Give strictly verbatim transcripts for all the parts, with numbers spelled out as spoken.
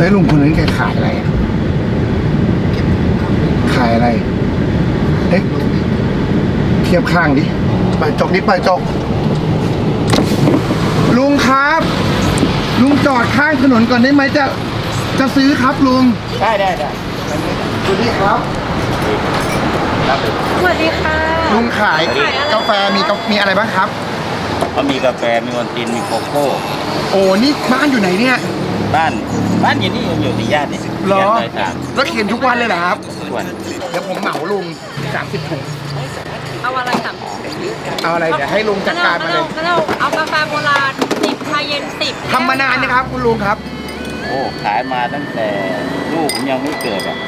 แล้วลุงคนนั้นแกขายอะไรอ่ะขายอะไรเอ๊ะเทียบข้างดิไปจกดิไปจกลุงครับลุงจอดข้างถนนก่อนได้ไหมจะจะซื้อครับลุงได้ได้ได้สวัสดีครับสวัสดีค่ะลุงขายกาแฟมีมีอะไรบ้างครับก็มีกาแฟมีวันตินมีโกโก้โอ้นี่บ้านอยู่ไหนเนี่ยบ้านบ้านอยู่นี่อยู่ที่ญาตินี่หรอแล้วเขียนทุกวันเลยเหรอครับทุกวันเดี๋ยวผมเหมาลุงสามสิบถุงเอาอะไรสามเอาอะไรเดี๋ยวให้ลุงจัดการมาเลยก็เราเอากาแฟโบราณสิบชาเย็นสิบทำมานานนะครับคุณลุงครับโอ้ขายมาตั้งแต่ลูกผมยังไม่เกิดอ่ะ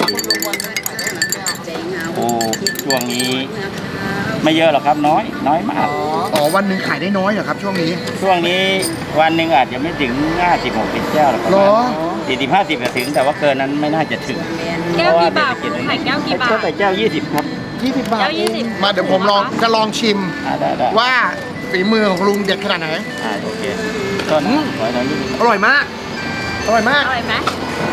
โอ้ช่วงนี้ไม่เยอะหรอกครับน้อยน้อยมากอ๋อวันหนึ่งขายได้น้อยเหรอครับช่วงนี้ช่วงนี้วันหนึ่งอาจจะไม่ถึงห้าสิบหกสิบแก้วหรอกครับสี่สิบห้าสิบจะถึงแต่ว่าเกินนั้นไม่น่าจะถึงแก้วกี่บาทคุณขายแก้วกี่บาทก็แต่แก้วยี่สิบครับยี่สิบบาทแก้วยี่สิบมาเดี๋ยวผมลองจะลองชิมว่าฝีมือของลุงเด็ดขนาดไหนอ่าโอเคต้นขอหน่อยอร่อยมากอร่อยมากอร่อยไหม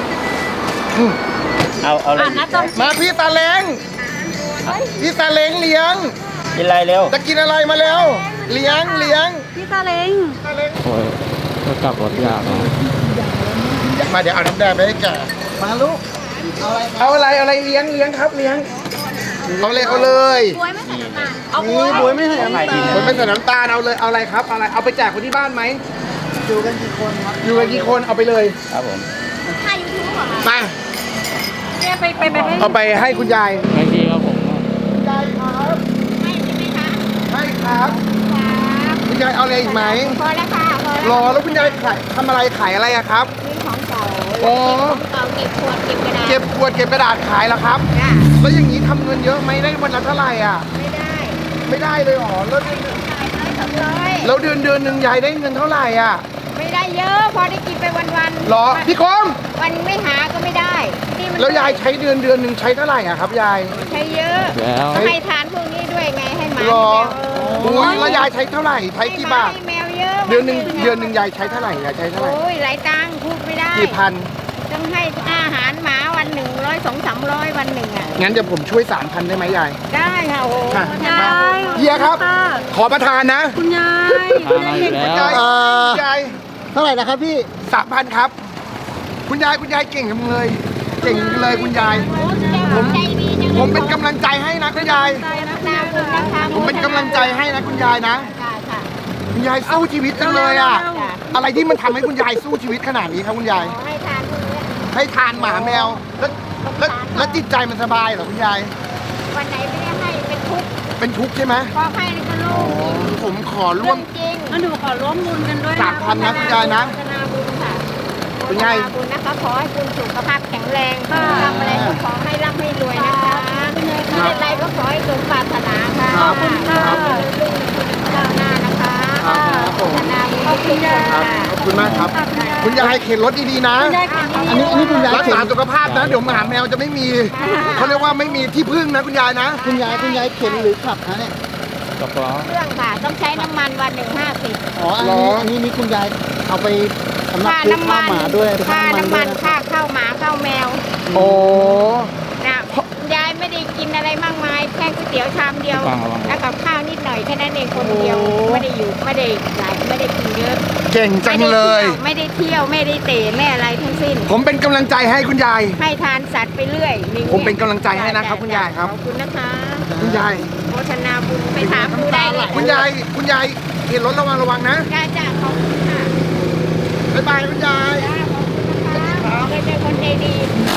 เอาเอาอะไรมาพี่ตาเล้งพี่ตาเล้งเลี้ยงกินอะไรเร็วจะกินอะไรมาเร็วเลี้ยงเลี้ยงพี่ตาเล้งโอ้ยก็กลับรถยากมาเดี๋ยวเอาน้ำแดงไปให้แกมาลูกเอาอะไรเอาอะไรเลี้ยงเลี้ยงครับเลี้ยงเอาเลยเอาเลยบวยไม่ใส่น้ำตาลเอาบวยไม่ใส่น้ำตาลบวยไม่ใส่น้ำตาลเอาเลยเอาอะไรครับเอาอะไรเอาไปแจกคนที่บ้านไหมอยู่กันกี่คนครับอยู่กันกี่คนเอาไปเลยครับผมถ่ายยูทูบเหรอไปไปไปไปเอาไปให้คุณยายไม่ดีครับผมคุณยายครับให้ใช่ไหมคะให้ครับคุณยายเอาอะไรอีกไหมพอแล้วค่ะรอแล้วคุณยายขายทำอะไรขายอะไรอะครับซื้อของเก่าโอ้เก่าเก็บขวดเก็บกระดาษเก็บขวดเก็บกระดาษขายแล้วครับแล้วอย่างนี้ทำเงินเยอะไหมได้วันละเท่าไหร่อ่ะไม่ได้ไม่ได้เลยหรอแล้วแล้วเดือนเดือนหนึ่งยายได้เงินเท่าไหร่อ่ะไม่ได้เยอะพอได้กินไปวันๆหรอพี่คมวันไม่หาก็ไม่ได้แล้วยายใช้เดือนเดือนหนึ่งใช้เท่าไหร่อ่ะครับยายใช้เยอะให้ทานพวกนี้ด้วยไงให้หมาหรอโอ้ยแล้วยายใช้เท่าไหร่ใช้กี่บาทแมวเยอะเดือนหนึ่งเดือนหนึ่งยายใช้เท่าไหร่ยายใช้เท่าไหร่โอ้ยหลายตังค์พูดไม่ได้กี่พันต้องให้อาหารหมาวันหนึ่งร้อยสองสามร้อยวันหนึ่งอ่ะงั้นเดี๋ยวผมช่วยสามพันได้ไหมยายได้ค่ะโอ้ยายเฮียครับขอประทานนะคุณยายคุณยายคุณยายคุณยายเท่าไหร่นะครับพี่สามพันครับคุณยายคุณยายเก่งจังเลยเก่งเลยคุณยายผมผมเป็นกำลังใจให้นะคุณยายผมเป็นกำลังใจให้นะคุณยายนะคุณยายสู้ชีวิตจังเลยอ่ะอะไรที่มันทำให้คุณยายสู้ชีวิตขนาดนี้ครับคุณยายให้ทานให้ทานหมาแมวแล้วแล้วแล้วจิตใจมันสบายเหรอคุณยายวันไหนไม่ได้ให้เป็นทุกข์เป็นทุกข์ใช่ไหมพอให้นี่ก็โล่งผมขอร่วมจริงงั้นหนูขอร่วมบุญกันด้วยสามพันนะคุณยายนะคุณยายบุญนะคะขอให้คุณสุขภาพแข็งแรงทำอะไรก็ขอให้ร่ำให้รวยนะคะอะไรก็ขอให้สมปรารถนาค่ะขอบคุณค่ะลุงก้าวหน้านะคะธนาขอบคุณค่ะขอบคุณมากครับคุณยายเข็นรถดีๆนะอันนี้อันนี้คุณยายรักษาสุขภาพนะเดี๋ยวหมาแมวจะไม่มีเขาเรียกว่าไม่มีที่พึ่งนะคุณยายนะคุณยายคุณยายเข็นหรือขับคะเนี่ยเครื่องค่ะต้องใช้น้ำมันวันหนึ่งห้าสิบอ๋ออันนี้อันนี้นี่คุณยายเอาไปสำหรับซื้อข้าวหมาด้วยค่าน้ำมันค่าข้าวหมาข้าวแมวโอ้นะยายไม่ได้กินอะไรมากมายแค่ก๋วยเตี๋ยวชามเดียวแล้วกับข้าวนิดหน่อยแค่นั้นเองคนเดียวไม่ได้อยู่ไม่ได้หลายไม่ได้กินเยอะเก่งจังเลยไม่ได้เที่ยวไม่ได้เตะไม่อะไรทั้งสิ้นผมเป็นกำลังใจให้คุณยายให้ทานสัตว์ไปเรื่อยผมเป็นกำลังใจให้นะครับคุณยายครับขอบคุณนะคะคุณยายโมทนาบุญไปถามดูได้เลยคุณยายคุณยายเห็นรถระวังระวังนะจ้าจ้าขอบคุณค่ะบ๊ายบายคุณยายขอบคุณนะคะเคยเป็นคนใจดี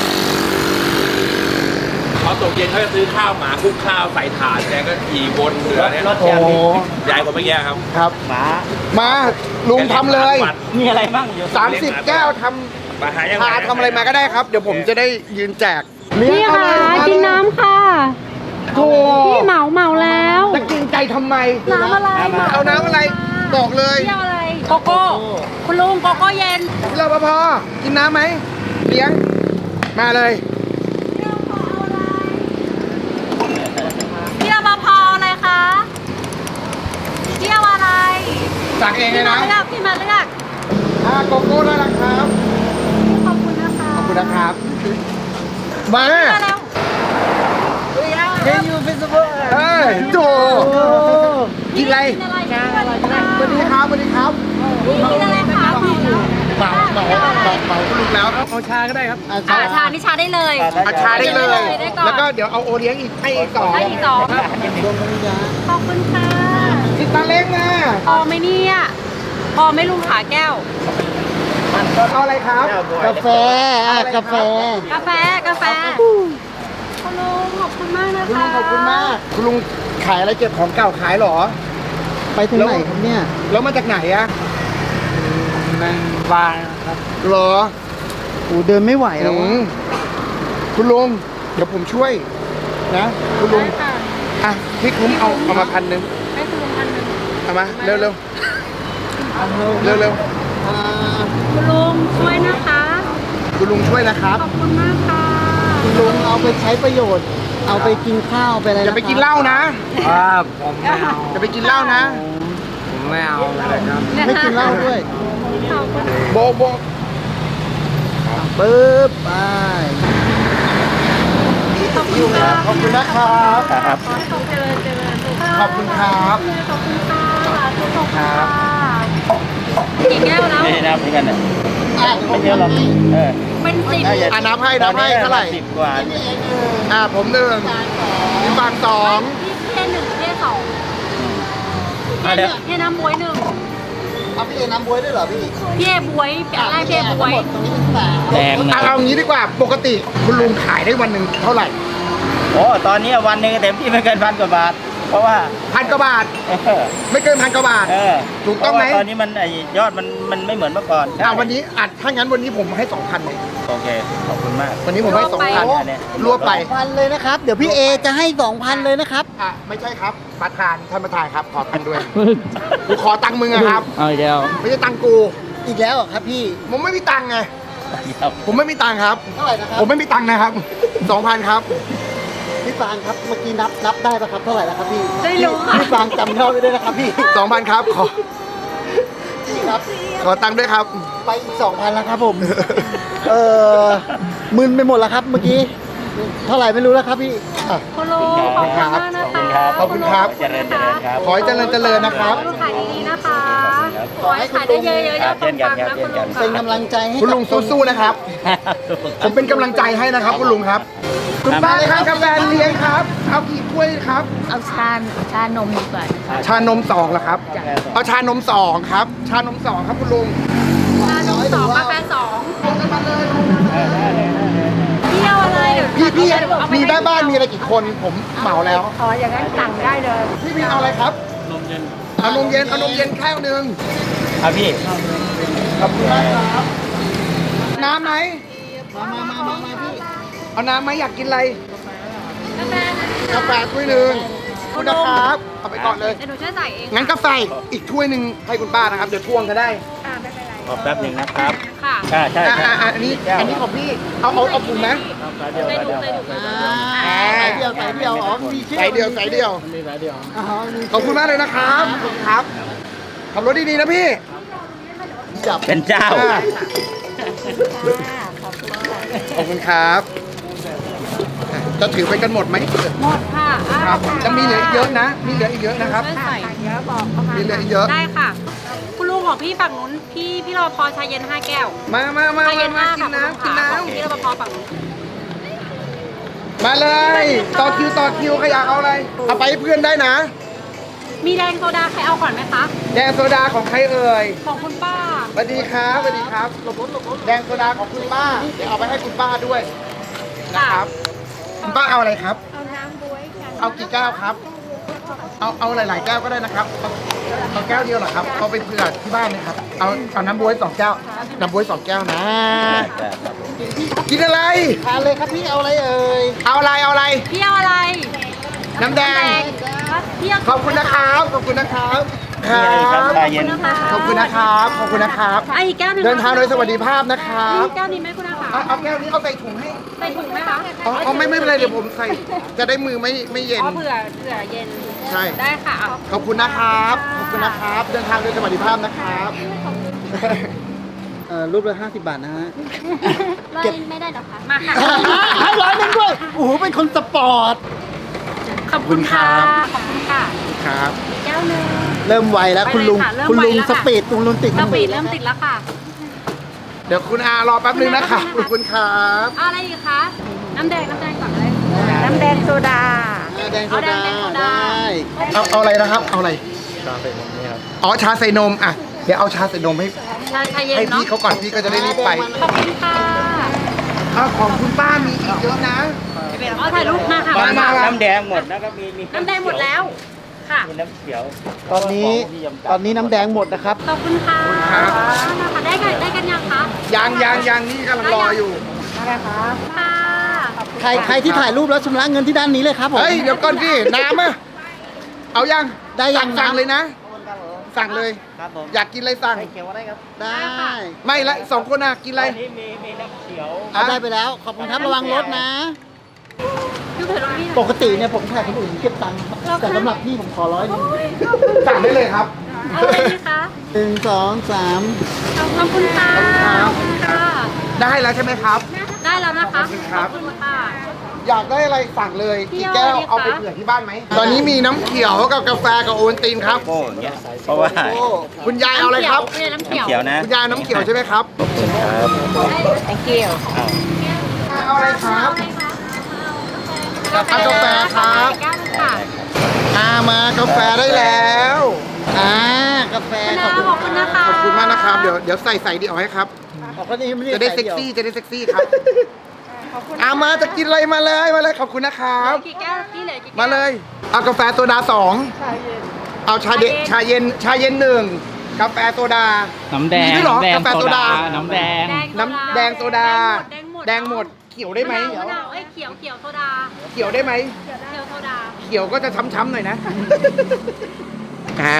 พอตกเย็นเขาจะซื้อข้าวหมาคลุกข้าวใส่ถาดแกก็ขี่วนเรือเนี่ยโอ้ยายคนเมื่อกี้ครับครับหมามาลุงทำเลยมีอะไรบ้างสามสิบแก้วทำพาทำอะไรมาก็ได้ครับเดี๋ยวผมจะได้ยืนแจกพี่ค่ะกินน้ำค่ะโอ้พี่เหมาเหมาแล้วจะกินใจทำไมน้ำอะไรเอาน้ำอะไรบอกเลยเที่ยวอะไรโกโก้คุณลุงโกโก้เย็นพี่รปภกินน้ำไหมเลี้ยงมาเลยพี่รปภอะไรคะเที่ยวอะไรสั่งเองเลยนะพี่มาเลือกพี่มาเลือกอ่าโกโก้ได้แล้วครับขอบคุณนะคะมามาแล้วเฮ้ยยูเฟสติวัลเอ้ยโจกินอะไรกินอะไรกินอะไรสวัสดีครับสวัสดีครับกินอะไรคะเหมาเหมาเหมาเหมาคุณลุงแล้วเอาชาก็ได้ครับอาอ่าชาชานี่ชาได้เลยเอาชาได้เลยได้ก่อนแล้วก็เดี๋ยวเอาโอเลี้ยงอีกให้อีกสองได้อีกสองดวงวิญญาณขอบคุณค่ะติดตาเล้งมาพอไหมเนี่ยพอไหม่ลุงขาแก้วเอาอะไรครับกาแฟอ่ะกาแฟกาแฟกาแฟคุณลุงขอบคุณมากนะคะคุณลุงขอบคุณมาก คุณลุงขายอะไรเก็บของเก่าขายเหรอไปถึงไหนครับเนี่ยแล้วมาจากไหนอะนั่งบางครับเหรอโอ้เดินไม่ไหวแล้วอืวะมคุณลุงเดี๋ยวผมช่วยนะ คุณลุงได้ค่ะอ่ะพี่คุ้มเอาเอามาพันหนึ่งให้คุณลุงพันหนึ่งเอามาเร็วเร็วเร็วเร็วอ่าคุณลุงช่วยนะคะคุณลุงช่วยนะครับขอบคุณมากค่ะคุณลุงเอาไปใช้ประโยชน์ เอาไปกินข้าวไปอะไรอย่าไปกินเหล้านะครับผมไม่เอาอย่าไปกินเหล้านะผมไม่เอาเลยครับเนี่ยไม่กินเหล้าด้วยขอบคุณโบโบปึ๊บไปขอบคุณค่ะขอบคุณนะครับครับขอให้เขาเจริญเจริญสุขภาพขอบคุณครับขอบคุณค่ะขอบคุณครัค่ะบกี่แก้วแล้วไม่ได้นับเหมือนกันเนี่ยอ่ะไม่เยอะหรอกเออเป็นสิบอ่ะนับให้นับให้เท่าไหร่สิบกว่าอ่ะผมหนึ่งพี่ฟางสองพี่เทหนึ่งพี่สองอ่ะเดี๋ยวพี่น้ำบวยหนึ่งเอาพี่เอน้ำบวยด้วยเหรอพี่พี่เอบวยแปะไล่พี่เอบวยทั้งหมดตรงนี้เป็นสามแดงอ่ะนะเอางี้ดีกว่า ปกติคุณลุงขายได้วันหนึ่งเท่าไหร่โอ้ตอนนี้วันหนึ่งเต็มที่ไม่เกินพันกว่าบาท เพราะว่าพันกว่าบาทเออไม่เกินพันกว่าบาทเออถูกต้องไหมเพราะว่าตอนนี้มันไอ้ยอดมันมันไม่เหมือนเมื่อก่อนอ่ะวันนี้อัดถ้างั้นวันนี้ผมให้สองพันเลยโอเคขอบคุณมากวันนี้ผมให้สองพันอันเนี้ยรวบไปพันเลยนะครับ เดี๋ยวพี่เอจะให้สองพันเลยนะครับอ่ะไม่ใช่ครับประธานท่านประธานครับ ขอตังค์ด้วยกูขอตังค์มึงอะครับเอาอีกแล้วไม่ใช่ตังค์กูอีกแล้วเหรอครับพี่ผมไม่มีตังค์ไงครับผมไม่มีตังค์ครับเท่าไหร่นะครับผมไม่มีตังค์นะครับสองพันครับพี่ฟางครับ เมื่อกี้นับนับได้ปะครับ เท่าไหร่แล้วครับพี่ได้รู้ค่ะพี่ฟางจำยอดไว้ด้วยนะครับพี่สองพันครับ ขอพี่ครับขอตังค์ด้วยครับไปอีกสองพันแล้วครับผม เออมึนไปหมดแล้วครับเมื่อกี้ เท่าไหร่ไม่รู้แล้วครับพี่อ่ะคุณลุงขอบคุณมากนะคะขอบคุณครับเจริญเจริญครับขอให้เจริญเจริญนะครับขอให้ลูกขายดีๆนะคะ ขอให้ขายได้เยอะๆยอดปังๆนะคุณลุงเป็นค่ะกำลังใจให้คุณลุงสู้ๆนะครับ ผมเป็นกำลังใจให้นะครับ คุณลุงครับ คุณป้าครับกาแฟเลี้ยงครับ เอากี่ถ้วยครับเอาชาชานมดีกว่าชานมสองเหรอครับ เอาชานมสองครับ ชานมสองครับคุณลุงชานมสองกาแฟสองเที่ยวอะไรเดี๋ยวพี่พี่เอาไปมีให้แม่บ้านมีอะไรกี่คนผมเหมาแล้วอ๋ออย่างนั้นสั่งได้เลยพี่พี่เอาอะไรครับ นมเย็น เอานมเย็น เอานมเย็นแก้วหนึ่งเอาพี่ขอบคุณมากครับ น้ำไหมมามามามามาพี่เอาน้ำไหมอยากกินอะไรกาแฟนะกาแฟถ้วยหนึ่งขอบคุณนะครับ เอาไปก่อนเลยเดี๋ยวหนูช่วยใส่เองงั้นกาแฟอีกถ้วยหนึ่งให้คุณป้านะครับ เดี๋ยวทวงก็ได้อ่าไม่เป็นไรขอแป๊บหนึ่งนะครับค่ะใช่ใช่อ่ะใช่อ่ะอ่ะอันนี้ อันนี้ของพี่ เอาเอาเอาถุงไหมเดี๋ยวใส่เดี๋ยวถุงใส่ถุงอ่าใส่เดียวใส่เดียวอ๋อมีชื่อใส่เดียวใส่เดียวอ๋อมีขอบคุณมากเลยนะครับ ขอบคุณครับ ขับรถดีๆนะพี่จับเป็นเจ้าอ่ะขอบคุณครับอ่ะจะถือไปกันหมดไหมหมดค่ะอ่าครับจะมีเหลืออีกเยอะนะ มีเหลืออีกเยอะนะครับช่วยใส่เยอะบอกเขามามีเหลืออีกเยอะได้ค่ะ คุณลุงของพี่ฝั่งนู้น พี่พี่รอพอชาเย็นห้าแก้วมามามาชาเย็นมาห้ากิค่ะนน้ำกินน้ของพี่รปภฝั่งนู้นำมาเลย ต่อคิวต่อคิวใครอยากเอาอะไร เอาไปให้เพื่อนได้นะมีแดงโซดาใครเอาก่อนไหมคะแดงโซดาของใครเอ่ยของคุณป้าสวัสดีครับสวัสดีครับหลบรถหลบรถแดงโซดาของคุณป้า เดี๋ยวเอาไปให้คุณป้าด้วยนะครับ คุณป้าเอาอะไรครับเอาน้ำบวยกันเอากี่แก้วครับ เอาเอาหลาย ๆ แก้วก็ได้นะครับ เอาเอาแก้วเดียวเหรอครับ เอาไปเผื่อที่บ้านเลยครับ เอาเอาน้ำบ๊วยสองแก้ว น้ำบ๊วยสองแก้วนะ กินอะไรทานเลยครับพี่เอาอะไรเอ่ยเอาอะไร เอาอะไรพี่เอาอะไรน้ำแดงพี่เอาขอบคุณนะครับ ขอบคุณนะครับคมีรัอะไรครับบชาเย็นขอบคุณนะครับ ขอบคุณนะครับไอ้อีกแก้วหนึ่งเดินทางโดยสวัสดิภาพนะครัมีบแก้วนี้ไหมคุณอาคะเอาเอาแก้วนี้เอาใส่ถุงให้ใส่ถุงไหมคะเอาเอาไม่ไม่เป็นไรเดี๋ยวผมใส่ จะได้มือไม่ไม่เย็นอ๋อเผื่อเผื่อเย็นใช่ได้ค่ะเอาขอบคุณนะครับ ขอบคุณนะครับ เดินทางโดยสวัสดิภาพนะครับเอ่อรูปละห้าสิบบาทนะฮะร้อยเก็บไม่ได้หรอคะ มาค่ะให้ร้อยหนึงด้วย โอ้โห เป็นคนสปอร์ตขอบคุณค่ะ ขอบคุณค่ะครับอีกแก้วหนึงเริ่มไวแล้วคุณลุงไปเลยค่ะเริ่มคุณลุงไวแล้วสค่ะปีดคุณลุงติดสปีดเริ่มติดแล้วค่ะเดี๋ยวคุณอารอแป๊บนึงนะครับขอบคุณครับเอาอะไรอีกคะ น้ำแดง น้ำแดงก่อนเลยน้ำแดงโซดาอ่าแดงโซเอาแดดางแดงโซดาได้เอาเอาอะไรนะครับ เอาอะไร ชาใส่นมนี่ครับ อ๋อ ชาใส่นม อ่ะ เดี๋ยวเอาชาใส่นมให้ชาชาเย็นให้เนาะพี่เขาก่อน พี่ก็จะได้รีบไปขอบคุณค่ะอ้าวของคุณป้ามีอีกเยอะนะเอาถ่ายรูปมาค่ะมามาน้ำแดงหมดแล้วก็มีมีน้ำแดงหมดแล้ว ค่ะมีน้ำเขียวตอนนี้ของที่ยำตอนนี้น้ำแดงหมดนะครับขอบคุณค่ะครับค่ะได้กันได้กันยังคะยังยังยังนี่กำลังรออยู่ค่ะใครใครที่ถ่ายรูปแล้วชำระเงินที่ด้านนี้เลยครับผมเฮ้ย เดี๋ยวก่อนพี่ น้ำอ่ะ เอายังได้ยังสั่งน้ำเลยนะ สั่งเลยครับผมอยากกินอะไรสั่งเขียวอะไรครับได้ไม่ละสองคนอ่ะ กินอะไรอันนี้มีมีน้ำเขียวเอาได้ไปแล้ว ขอบคุณครับ ระวังรถนะยูเถิดตรงนี้ปกติเนี่ยผมถ่ายคนอื่นเก็บตังค์ครับแต่สำหรับพี่ผมขอร้อยหนึงสั่งได้เลยครับเอาอะไรดีคะหนึ่งสองสามขอบคุณค่ะ ขอบคุณค่ะได้แล้วใช่ไหมครับได้แล้วนะคะขอบคุณครับขอบคุณค่ะอยากได้อะไรสั่งเลยพี่กี่แก้วเอาอะไรดีคะเอาไปเผื่อที่บ้านไหม ตอนนี้มีน้ำเขียวกับกาแฟกับโอวัลตินครับโก้อย่างเงี้ยเพราะว่าโอ้คุณยายเอาอะไรครับน้ำเขียวเขียวนะคุณยายน้ำเขียวใช่ไหมครับครับ thank you อ้าวเอาอะไรครับกาแฟเอากาแฟครับแก้วนึงค่ะอามากาแฟได้แล้วอ่ากาแฟขอบคุณนะคะขอบคุณมากนะครับ เดี๋ยวเดี๋ยวใส่ใส่ดีออกให้ครับออกก็นี่ไม่จะได้ใส่เซ็กยวซี่จะได้เซ็กซี่ครับอามาจะกินอะไรมาเลยมาเลยขอบคุณนะครับกี่แก้วกี่เหลือกี่แก้วมาเลย เอากาแฟโซดาสองเอาชาเดชาเย็นชาเย็นหนึ่งกาแฟโซดาน้ำแดงมีด้วยเหรอน้ำแดงกาแฟโซดาน้ำแดงน้ำแดงโซดาแดงหมดแดงหมดเขียวได้ไหมมะนาวมะนาวเอ้ยเขียวเขียวโซดาเขียวได้ไหมเขียวโซดาเขียวก็จะช้ำๆหน่อยนะ อ่า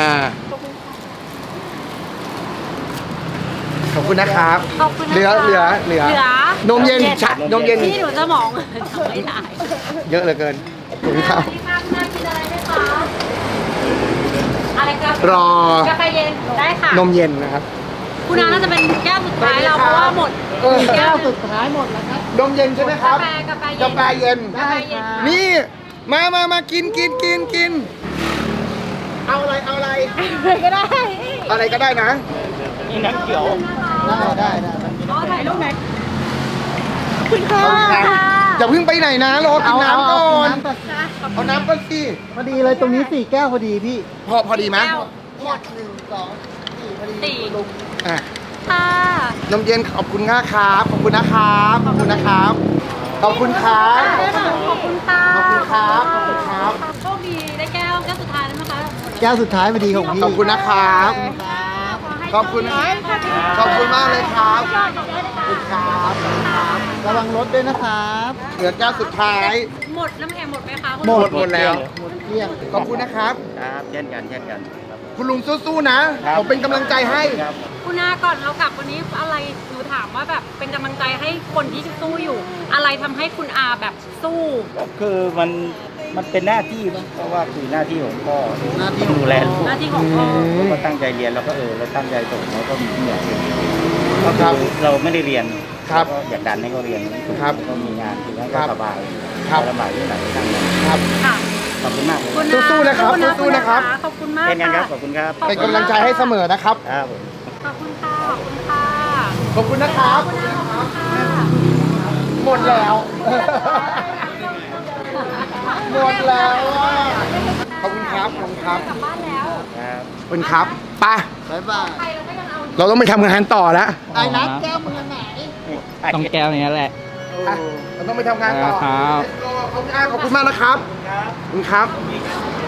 ขอบคุณนะครับขอบคุณนะคะเหลือเหลือเหลือเหลือนมเย็นชะนมเย็นพี่หนูจะมองไม่ได้เยอะเหลือเกินขอบคุณครับสวัสดีค่ะคุณนายกินอะไรไหมคะอะไรครับรอกาแฟเย็นได้ค่ะนมเย็นนะครับคุณน้าน่าจะเป็นแก้วสุดท้ายเราสวัสดีครับเพราะว่าหมดเออแก้แก้ววสุดท้ายหมดแล้วครับนมเย็นใช่ไหมครับกาแฟกาแฟเย็นกาแฟเย็นกาแฟเย็นนี่ มามามากินกินกินกิน เอาอะไร เอาอะไรอะไรก็ได้อะไรก็ได้นะนี่น้ำเขียวได้ได้ได้อ๋อถ่ายรูปไหนเอาน้ำอย่าเพิ่งไปไหนนะ รอกินน้ำก่อนเาำก่อนเอาน้ำก่อนสิพอดีเลยตรงนี้สี่แก้วพอดีพี่พอพอดีไหมแก้วหมดหนึ่งสองสี่พอดีสี่ลุงอ่ะค่ะนมเย็นขอบคุณมากครับ ขอบคุณนะครับ ขอบคุณนะครับ ขอบคุณครับขอบคุณค่ะขอบคุณครับขอบคุณครับโชคดีได้แก้วแก้วสุดท้ายแล้วนะคะแก้วสุดท้ายพอดีของพี่ขอบคุณนะครับ ขอบคุณ ขอบคุณมากเลยครับ ขอบคุณครับระวังรถด้วยนะครับเหลือแก้วสุดท้ายหมดน้ำแข็งหมดไหมคะคุณหมดหมดแล้วหมดเกลี้ยงขอบคุณนะครับครับเช่นกันเช่นกันครับคุณลุงสู้ๆนะ ผมเป็นกำลังใจให้ครับคุณนาก่อนเรากลับวันนี้อะไรหนูถามว่าแบบเป็นกำลังใจให้คนที่สู้อยู่ อะไรทำให้คุณอาแบบสู้ก็คือมันมันเป็นหน้าที่มั้งเพราะว่าคือหน้าที่ของพ่อหน้าที่ของพ่อดูแลลูกหน้าที่ของพ่อเราก็ตั้งใจเรียนเราก็เออเราตั้งใจส่งเราก็มีที่อยากเรียนก็ครับคือเราไม่ได้เรียนครับก็อยากดันให้เขาเรียนครับแล้วก็มีงานคือให้ครัเขาบสบายครับสบายที่ไหนที่นั่นครับค่ะขอบคุณมากเลยคุณนาสู้ๆนะครับขอณสู้ๆนะครับขอบคุณมากเช่นกันครับค่ะขอบคุณครับเป็นกำลังใจให้เสมอนะครับครับผมขอบคุณค่ะ ขอบคุณค่ะขอบคุณนะครับขอบคุณค่ะหมดแล้ว หมดแล้วอะขอบคุณครับ ขอบคุณครับกลับบ้านแล้วครับขอบคุณครับไปบ๊ายบายไปเราก็ยังเอาเราต้องไปทำงานต่อแล้วไอ้นัดแก้วมือไหนต้องแก้วนี้แหละอ่ะเราต้องไปทำงานต่อครับขอบคุณอ่ะขอบคุณมากนะครับ ขอบคุณครับ